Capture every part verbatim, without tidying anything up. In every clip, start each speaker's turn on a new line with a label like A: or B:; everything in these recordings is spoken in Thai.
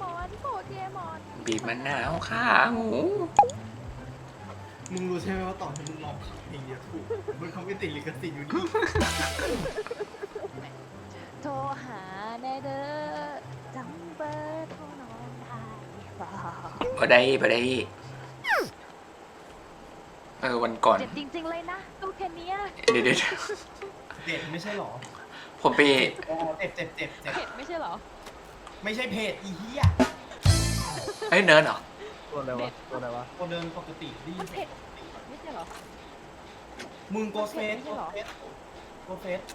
A: อนโปเกมอน
B: บีบมะนาวขาหมู
C: มึงรู้ใช่ไหมว่าตอนที่มึงร้องเพลงเดียวถูกมันเขาไม่ติดลิขสิทธิ์อยู่นี่
A: โทรหาแน่เด้อจำเบอร์โทรน้องได้เปล่า
B: บ่ได้บ่ได้เออวันก่อน
A: เจ็บจริงๆเลยนะตู้แค่เนี้ย
B: เดี๋ยวเดี๋ยว
C: เด็ดไม่ใช่หรอ
B: ผมไป
C: อ๋อเจ็บเจ็บเจ็บเจ็บ
A: เผ็ดไม่ใช่เหรอ
C: ไม่ใช่เพจอีเหี้ย
B: เฮ้ยเนิร์ดเหรอ
D: ตัวอะไรวะตัวอะไรวะ
C: คนเดินปกติดี
A: มันเผ็ดไม่ใช่เหรอ
C: มึงโกสเฟส
A: ไม่
C: โก
A: ใช่
C: ส
A: หรอ
C: เฟสโกสเฟส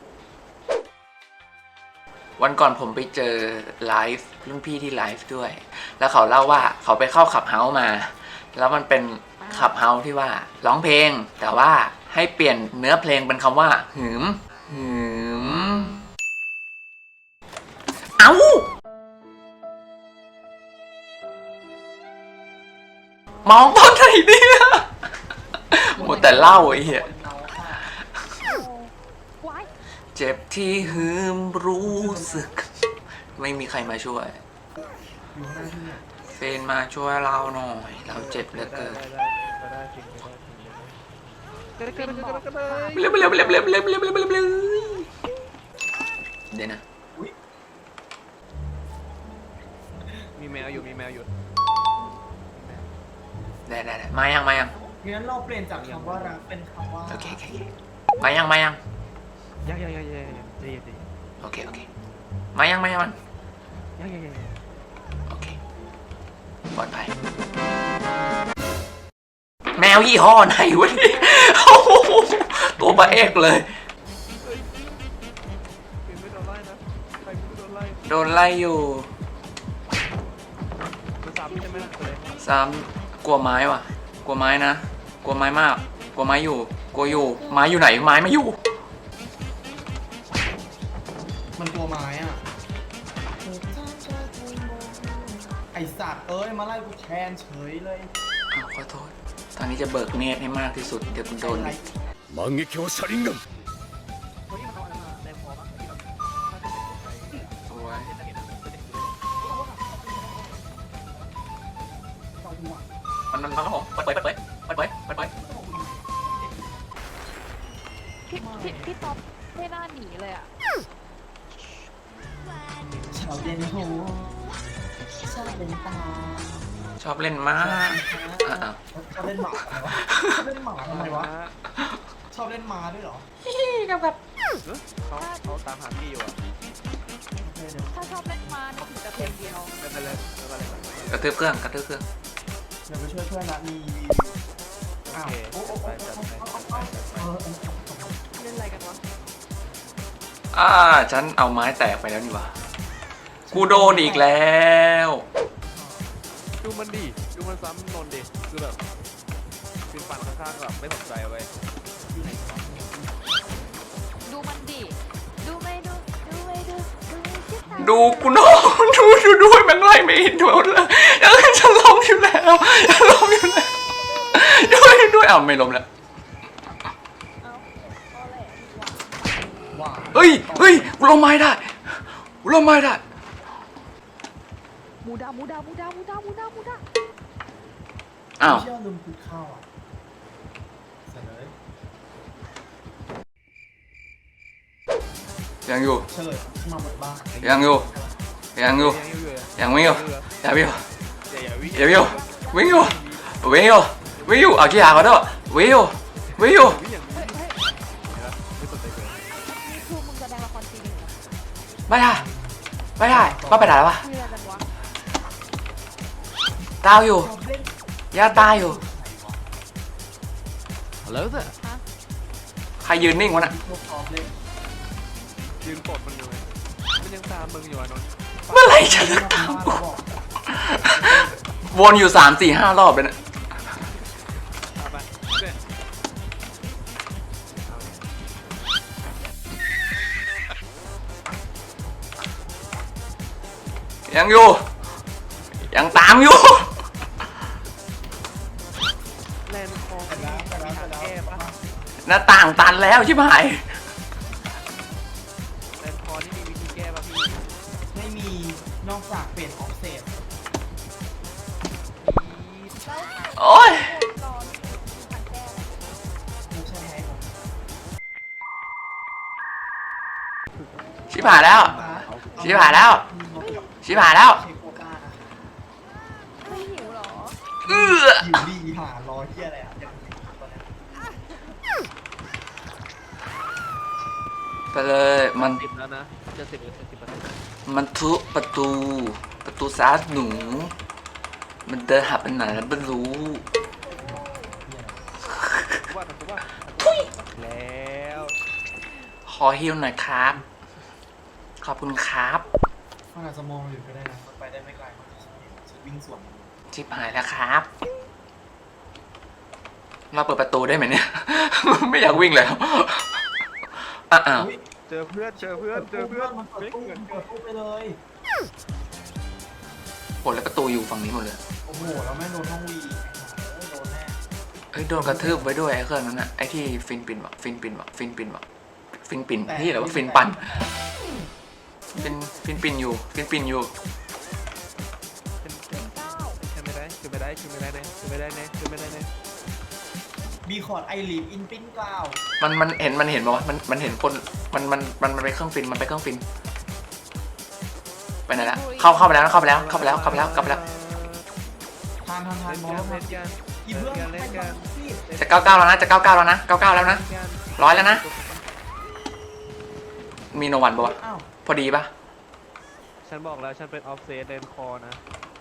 B: วันก่อนผมไปเจอไลฟ์รุ่นพี่ที่ไลฟ์ด้วย แล้วเขาเล่าว่าเขาไปเข้าขับเฮาส์มา แล้วมันเป็นขับเฮาส์ที่ว่าร้องเพลง แต่ว่าให้เปลี่ยนเนื้อเพลงเป็นคำว่าหืมหืมเอ้ามองตอนไหนเนี่ยหมดแต่เล่าไอ้เหี้ย
A: ว้าย
B: เจ็บที่หืมรู้สึก ไม่มีใครมาช่วย
C: อยู่ข้างหน้าที่เนี่ย
B: เฟนมาช่วยเราหน่อย เราเจ็บเหลือเกิน
D: ได้ได้ได้จริงได้จริงได้ได้ได้ได้
B: เร็วเร็วเร็วเร็วเร็วเร็วเร็วเร็วเร็วเดี๋ยวนะ
D: มีแมวอยู่มีแมวอยู่
B: ได้ได้ได้มายังมายัง
C: งั้นเราเปลี่ยนจากคำว่ารักเป็นคำว่า
B: โอเคโอเคโอเคมายังมายัง
D: ยังยังยังยังยังใจเย็นใจเย็น
B: โอเคโอเคมายังมายังมัน
D: ยังยังยัง
B: โอเคปลอดภัยแมวยี่ห้อไหนวะเนี่ยโอ้โหตัวปลาเอกเลย
D: เป็นไม่โดนไล่นะใครไม่โดนไล่
B: โดนไล่อยู่
D: มันซ้ำใช่ไหมล่ะเลย
B: ซ้ำกลัวไม้ว่ะ กลัวไม้นะกลัวไม้มากกลัวไม้อยู่กลัวอยู่ไม้อยู่ไหนไม้ไม่อยู่
C: มันตัวไม้อ่ะไอสัตว์เอ้ยมาไล่กูแทนเฉยเลย
B: อ้าวขอโทษ ตอนนี้จะเบิกเนตรให้มากที่สุด เดี๋ยวคุณโดนดิ
E: 万華鏡車輪ガン
D: คนที่มันเขาอะไรมาแรงพอปะที่แบบ
B: สวย มันมันมันครับผมเปิดเปิดเปิดเปิดเปิดเปิดเปิด
A: พี่พี่พี่ต๊อบไม่น่าหนีเลยอ่ะ
C: ชาวเด่นโหชาวเด่นตา
B: ชอบเล่นมาก อ่ะอ่ะ
C: ชอบเล่นหมาทำไมวะชอบเล่นหมาทำไมวะชอบเล่นหมาด้วยเหรอ
D: เขาเขาตามหาพี่อยู่อ่ะ
C: โอเคเดี๋ยว
A: ถ้าชอบเล่นมาเนี่ยถึงจะเพลงเดียว
D: ไม่เป็นไรไม่เป็นไร
B: กระตือเครื่องกระตือเครื่อง
C: เดี๋ยวไปช่วยเพื่อนนะมี
D: โอ
C: อ้าว
D: เค
C: โอ้โอ้
D: ไป
C: โอ้
D: จัด
C: โอ้
D: ไป
C: โอ้
D: จัดไปจัดไป
C: เออเออ
A: เล่นอะไรกันวะ
B: อ่าฉันเอาไม้แตกไปแล้วนี่หวะกูโดนอีกแล้ว
D: ดูมันดิดูมันซ้ำนนดิคือแบบคือฟันข้างๆแบบไม่สนใจเอาไว้
A: ดูมันดิดูไม่ดูดูไม่ดูดูไม่คิด
B: ดูกูโดนดูดูด้วยแม่งไล่ไม่เห็นด้วยเลยเอ้ยฉันล้มอยู่แล้วฉันล้มอยู่แล้วด้วยด้วยอ้าวไม่ล้มแล้ว
A: เอาเอาแหละ
C: ว่า
B: เฮ้ยเฮ้ยกูล้มไม้ได้กูล้มไม้ได้
A: มูดามูดามูดามูดามูดามูดา
B: อ้าว
C: เชื่อลืมคุกข้าวอ่ะเสร็จเลย
B: ยังอยู่
C: เฉลยมาหมดบ้าน
B: ยังอยู่ยังอยู่
D: ยังอยู่เลย
B: ยังไม่อยู่ยังไม่อยู่
D: อย่าอย่าวิ่ง
B: ยังไม่อยู่วิ่งอยู่วิ่งอยู่วิ่งอยู่เอาที่หาเขาด้วยวิ่งอยู่วิ่งอยู่
D: วิ่งอย่าง
A: เฮ้ยเฮ้ย
D: ไม่สนใจเลย
A: นี่คือมึงแสดงละครจริงเหรอ
B: ไม่ได้ไม่ได้ว่าไปไหนแล้ววะ
A: คุยอะไรกันวะ
B: ตายอยู่ย่าตายอยู่
D: ฮัลโหลเซ่
B: ใครยืนนิ่งวะน่ะ
C: พวกพร้อมเล่น
D: ยืนกดมันอยู่ไงมันยังตามมึงอยู่อ่ะนนท์
B: เมื่อไหร่จะ
C: เล่นมาบ้านเราบอก
B: วนอยู่สามสี่ห้ารอบเลยนะ
D: ตามไปเนี่ย
B: ยังอยู่ยังตามอยู่
D: แลนด์คองมีทางแก้ปะ
B: หน้าต่างตันแล้วชิบหาย
D: แลนด์คอนี่มีวิธีแก้ปะพี่
C: มไม่มีนอกจากเปลี่ยนออฟเซต
B: โอ้ย
A: รอนี่คือทางแก้อะไร
C: ไม่ใช่ไหมผม
B: ชิบหายแล้ว ชิบหายแล้ว ชิบหายแล้ว
C: เช็คโควต้านะ
A: ไม่หิวเหรอ
B: เอื้อ
C: อยู่ดีหารอเที่ยอะไรอ่ะอย่างนี้ตอนเนี้ย
B: ไปเลยมัน
D: สิบแล้วนะจะสิบหรือสิบเปอร์เซ็นต์
B: มันทุบประตู ประตูซาดหนู มันเดินหาไปไหนแล้วไม่รู้
D: ว่าแต่ว่าแล้ว
B: ขอฮิวหน่อยครับ ขอบคุณครับ
C: มันอาจจะมองอยู่ก็ได้นะมันไปได้ไม่ไกลมันจะวิ่งสวน
B: ชิบหายแล้วครับ เราเปิดประตูได้ไหมเนี่ย ไม่อยากวิ่งแล้วอ้าว
C: อุ๊ย
D: เจอเพื่อนเจอเพื่อนเจอเพื่อน
C: มันเปิดตู้มันเปิดตู้ไปเลย
B: โหแล้วประตูอยู่ฝั่งนี้หมดเลย
C: โอ้โหแล้วแม่งโดนห้องวีอีกโอ้โหโดนแน่
B: เฮ้ยโดนกระทืบไว้ด้วยไอ้เครื่องนั้นอะไอ้ที่ฟินปินวะฟินปินวะฟินปินวะฟินปินที่อะไรวะฟินปันฟินฟินปินอยู่ฟินปินอยู่
D: ขึ้นไม่ได้ขึ้นไม่ได้ขึ้นไม่ได้เนี่ยขึ้นไม่ได้เนี่ยขึ้นไม่ได้เนี่ย
C: บีคอร์ดไอลีฟอินปิ้นกล่าว
B: มันมันเห็นมันเห็นปะวะมันมันเห็นคนมันมันมันมันไปเครื่องฟินมันไปเครื่องฟินไปไหนละเข้าเข้าไปแล้วเข้าไปแล้วเข้าไปแล้วเข้าไปแล้วกลับไปแล้ว
C: ทานทานทาน
D: เล่น
C: มอง
D: กัน
C: แล้ว
D: เล่นกัน
C: อีเพื่อน
D: เล่นกัน
B: จะเก้าเก้าแล้วนะจะเก้าเก้าแล้วนะเก้าเก้าแล้วนะ
D: เล่นกัน
B: ร้อยแล้วนะมีโนวันปะวะ
C: อ้าว
B: พอดีปะ
D: ฉันบอกแล้วฉันเป็นออฟเซตเลนคอนะ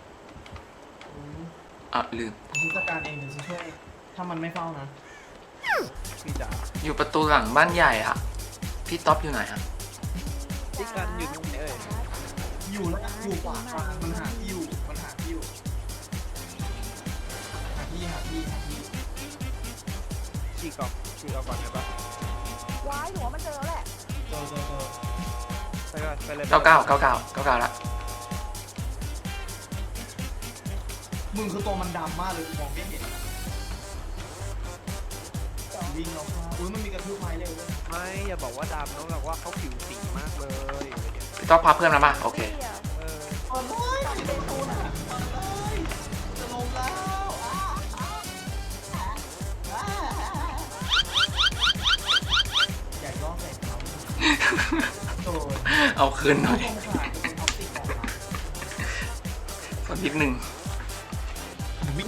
B: อ่ะลืม
C: ฉันจัดการเองเดี๋ยวฉันช่วยถ้ามันไม่เฝ้านะ
D: พี่จ๋า
B: อยู่ประตูหลังบ้านใหญ่อะพี่ท็อปอยู่ไหนอะ
D: พี่กันอยู่ตรงไหนเอ่ย
C: อยู่แล้วอยู่ขวาขวามันหาที่อยู่มันหาที่อยู่หาที่หาที่หาที่
D: ฉีกออกฉีกออกก่อนได้ปะ
A: ว้ายหนูว่ามันเจอแล้วแหละ
C: เจอเจอเจอ
D: ไปก่อนไปเลย
B: เก้าเก้าเก้าเก้าเก้าเก้าละ
C: มึงคือตัวมันดำมากเลยกูมองไม่เห็นวิ่งเราเข้าอุ้ยมันมีกระทืบไม้เร็วด้วย
D: ไม่อย่าบอกว่าดำน้องบอกว่าเขาผิวสีมากเลย
B: พี่ท็อปพาเพื่อนมาป่ะโอเค
A: พี่อะ
D: เออ
C: เปิดเลยปิดประตูนะเปิดเลยจะลงแล้วอ้าวอ้าวอ้าวอยากย้อนใส่เขาโดน
B: เอาคืนหน่อย
C: สงสารเป็นท็อปติกของเรา
B: สักนิดหนึ่ง
C: วิ่ง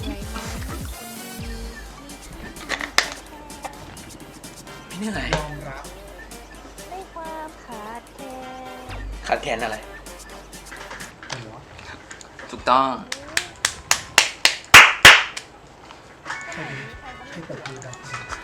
B: พี่เหนื่อย
C: ยอมรับ
A: ในความขาดแคลน
B: ขาดแขนอะไร
C: หัว
B: ถูกต้อง
C: ใช่ไหมให้เปิดดูกัน